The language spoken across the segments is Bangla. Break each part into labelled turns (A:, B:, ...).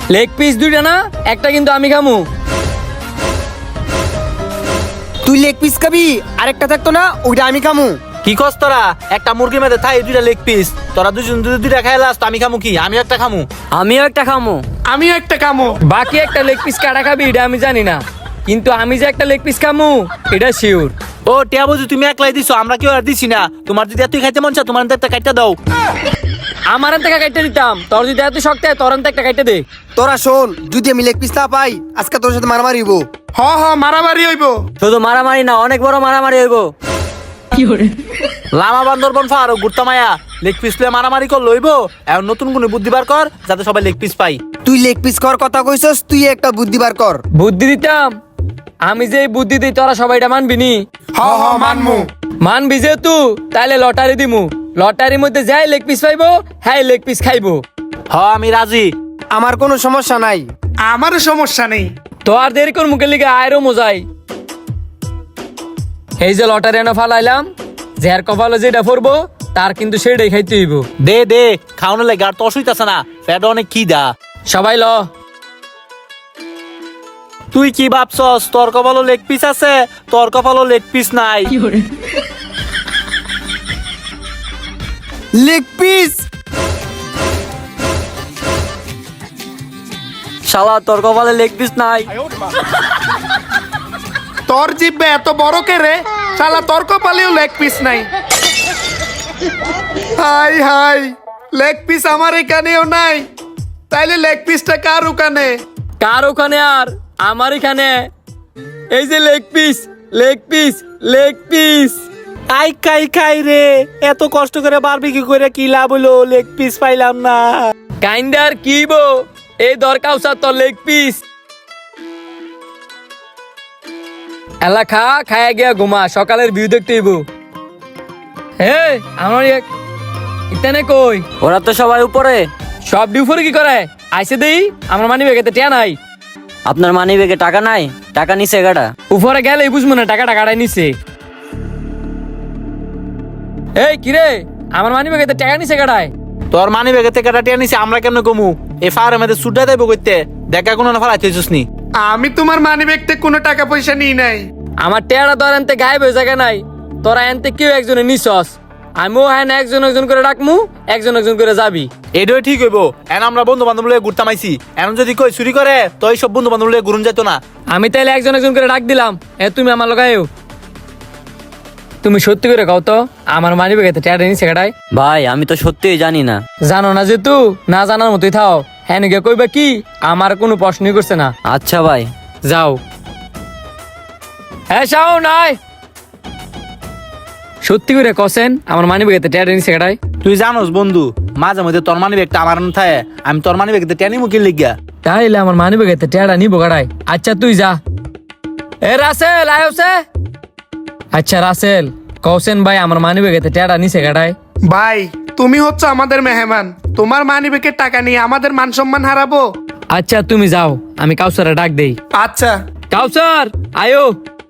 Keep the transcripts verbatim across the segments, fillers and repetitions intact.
A: লেগ পিস দুইটা না, একটা কিন্তু আমি খামু।
B: তুই লেগ পিস খাবি, আরেকটা থাকতো না ওইটা আমি খামু।
C: কি কস তোরা? একটা মুরগির মধ্যে থাই দুইটা লেগ পিস, তোরা দুজন দুই দুইটা খাইলাস, তো আমি খামু কি? আমি একটা খামু।
A: আমিও একটা খামু।
D: আমিও একটা কামো।
A: বাকি একটা লেগ পিস কাটা খাবি এটা আমি জানি না, কিন্তু আমি যে একটা লেগ পিস খামু এটা শিওর।
C: ও টিয়া বুঝি তুমি একলাই দিছো, আমরা কেউ আর দিছি না। তোমার যদি এতই খাইতে মন চায় তোমার একটা কাটটা দাও।
A: আমার হাত থেকে কাটতে দিতাম, তোর যদি এত শক্ত হয় তোর হাত থেকে একটা কাটতে দে।
B: তোরা শোন, যদি আমি লেগ পিস না পাই আজকে তোর সাথে মারামারি হইব।
D: হ হ মারামারি হইব।
A: শুধু মারামারি না, অনেক বড় মারামারি হইব।
C: লামা বান্দরবন ফার গুড়তা মায়া লেগ পিস লয়ে মারামারি কর লইব। এখন নতুন কোন বুদ্ধি বার কর যাতে সবাই লেগ পিস পাই।
B: তুই লেগ পিস কর কথা কইছস, তুই একটা বুদ্ধি বার কর।
A: বুদ্ধি দিতাম, আমি যে এই বুদ্ধি দিই তোরা সবাই এটা মানবি নি?
D: হ হ মানমু।
A: মানবি যেহেতু তাইলে লটারি দিমু, লটারির মধ্যে যাই লেগ পিস পাইবো হ্যাঁ লেগ পিস খাইবো।
C: হ আমি রাজি।
B: আমার কোনো সমস্যা নাই।
D: আমারও সমস্যা নেই।
A: তো আর দেরি কর মুখের লিগে আয়রো মজাই। এই যে লটারি এনে ফালাইলাম, যার কপালে যেটা পড়বো তার কিন্তু সেটাই খাইতে হইব।
C: দে দে খাওয়ানো লাগে, আর তো অসুবিধা না, ফ্যাট অনেক কি দা।
A: সবাই ল।
C: তুই কি ভাবছস তোর কপালও লেগ পিস আছে? তোর কপালও লেগ পিস নাই।
B: লেগ পিস
A: শালা তোর কপালে লেগ পিস নাই।
D: তোর জিব্বে এত বড় কে রে? শালা তোর কপালেও লেগ পিস নাই। হাই হাই, লেগ পিস আমার এখানেও নাই, তাইলে লেগ পিসটা কার ওখানে?
A: কার ওখানে আর আমার এখানে। এই যে leg piece, leg piece, leg piece.
C: আই খাই খাই রে, এত কষ্ট করে বারবিকিউ করে কি লাভ হলো? লেগ পিস পাইলাম না।
A: কাইন্ডার কি বো, এই দরকার তোর লেগ পিস। এলা খা, খায়া গিয়া ঘুমা, সকালের ভিউ দেখতে হইব। হে আমার ইতানে কই?
E: ওরা তো সবাই উপরে।
A: সব ডিউফরে কি করে? আইসে দেই আমার মানি ব্যাগেতে টিয়া নাই।
E: আপনার মানি ব্যাগে টাকা নাই? টাকা নিছে গাড়া।
A: উপরে গেলে বুঝবো না টাকাটা কাটাই নিছে। এই কিরে, আমার মানি ব্যাগেতে টাকা নিছে কাটায়।
C: তোর মানি ব্যাগে থেকে টাকা নিছে, আমরা কেমনে কমু? এই ফায়ারের মধ্যে সুডা দেবো কইতে, দেখা কোনো না ফালাইতেছিস নি।
D: আমি তোমার মানি ব্যাগতে কোনো টাকা পয়সা নিই নাই।
A: আমার টেয়ারা তোর এনতে গায়েব হয়ে জায়গা নাই, তোরা এনতে কেউ একজনে নিছস। আমিও হ্যাঁ একজন একজন করে ডাকমু, একজন একজন করে যাবি।
C: এটাই ঠিক হইব। এখন আমরা বন্ধু বান্ধব লয়ে ঘুরতাম আইছি, এখন যদি কই চুরি করে তো এই সব বন্ধু বান্ধব লয়ে ঘুরুন যেত না।
A: আমি তাইলে একজন একজন করে ডাক দিলাম। এ তুমি আমার লগাইও। তুমি সত্যি করে কও তো আমার মানি ব্যাগেতে টেয়ারা নিছে কাটায়?
E: ভাই আমি তো সত্যিই জানি না।
A: জানো না যেহেতু, না জানার মতোই থাও। হ্যাঁ নিকে কইবা কি, আমার কোনো প্রশ্নই করছে না।
E: আচ্ছা ভাই।
A: যাও। হ্যাঁ শাও নাই, সত্যি করে কসেন আমার মানি ব্যাগেতে টেয়ারা নিছে কাটায়?
C: তুই জানোস বন্ধু, মাঝে মধ্যে তোর মানি ব্যাগটা আমার না থাকে, আমি তোর মানি ব্যাগতে টেনি মুখে লিখিয়া।
A: তাইলে আমার মানি ব্যাগেতে টেয়ারা নিবো কাটায়? আচ্ছা তুই যা। এ রাসেল আয়োসে। আচ্ছা রাসেল, কৌসেন ভাই আমার মানি ব্যাগেতে টেয়ারা নিছে কাটায়?
D: ভাই তুমি হচ্ছে আমাদের মেহমান, তোমার মানি ব্যাগের টাকা নিয়ে আমাদের মান সম্মান হারাবো?
A: আচ্ছা তুমি যাও, আমি কাউসারে ডাক দেই।
D: আচ্ছা।
A: কাউসার আয়ো।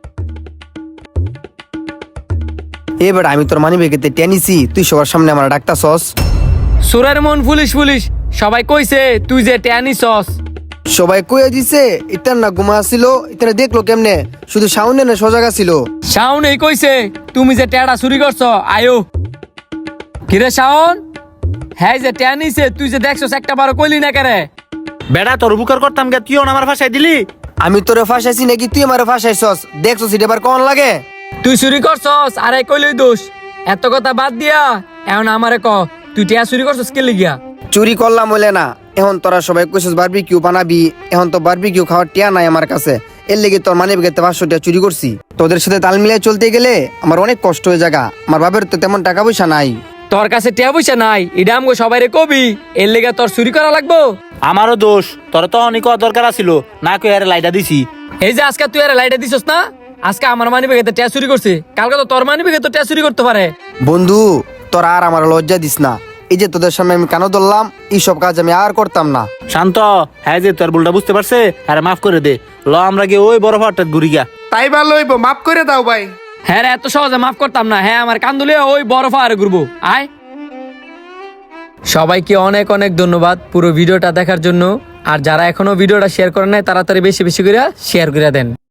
B: এবার আমি তোর মানি ব্যাগেতে টেনিছি, তুই সবার সামনে আমার ডাকতাছস।
A: সুরের মন পুলিশ পুলিশ সবাই কইছে তুই যে টেয়ানি সস।
B: সবাই কইয়া দিছে, ইতার না ঘুমা ছিল, ইতারে দেখলো কেমনে? শুধু সাউন্ডে না সজাগা ছিল।
A: শাওন এই কইছে তুমি যে টেয়ারা চুরি করছো। আয়ো। কিরে শাওন, হ্যাঁ যে টেয়া নিছে তুই যে দেখছস একটা বারো কইলি না কেরে?
C: বেড়া তোর উপকার করতাম গে, তুইও না আমার ভাষায় দিলি।
B: আমি তোরে ফাঁসাইছি নাকি তুই আমার ফাঁসাইছস? দেখছস এটা এবার কোন লাগে?
A: তুই চুরি করছস আরে কইলই দোষ। এত কথা বাদ দিয়া এখন আমারে ক, তুই টেয়া চুরি করছস কে লিগিয়া?
B: চুরি করলাম বলে না, এখন তোরা সবাই কইছস বারবিকিউ বানাবি, এখন তো বারবিকিউ খাওয়ার টিয়া নাই আমার কাছে। এর লেগে তোর মানি ব্যাগেতে পাঁচশো টাকা চুরি করছি। তোদের সাথে তাল মিলিয়ে চলতে গেলে আমার অনেক কষ্ট হয়ে জায়গা। আমার বাবার তো তেমন টাকা পয়সা নাই।
A: তোর কাছে টেয়া পয়সা নাই এটা আমগো সবাই রে কবি, এর লেগে তোর চুরি করা লাগবো?
C: আমারও দোষ, তোর তো অনেক দরকার আছিল না, কই আরে লাইটা দিছি।
A: এই যে আজকে তুই আরে লাইটে দিছস না, আজকে আমার মানি ব্যাগেতে টেয়া চুরি করছে, কালকে তো তোর মানি ব্যাগে তো টেয়া চুরি করতে পারে।
B: বন্ধু তোরা আর আমার লজ্জা দিস না, এই যে তোদের সামনে আমি কেন ধরলাম, এইসব কাজ আমি আর করতাম না।
C: শান্ত, হ্যাঁ যে তোর ভুলটা বুঝতে পারছে, আরে মাফ করে দে। ল আমরা গিয়ে ওই বড় ফাটটা ঘুরি গা।
D: তাই ভালো হইব, মাফ করে দাও ভাই।
A: হ্যাঁ রে, এত সহজে মাফ করতাম না। হ্যাঁ আমার কান্দুলে ওই বড় ফায়ারে ঘুরবো। আয়। সবাইকে অনেক অনেক ধন্যবাদ পুরো ভিডিওটা দেখার জন্য। আর যারা এখনো ভিডিওটা শেয়ার করেন নাই তাড়াতাড়ি বেশি বেশি করে শেয়ার করে দেন।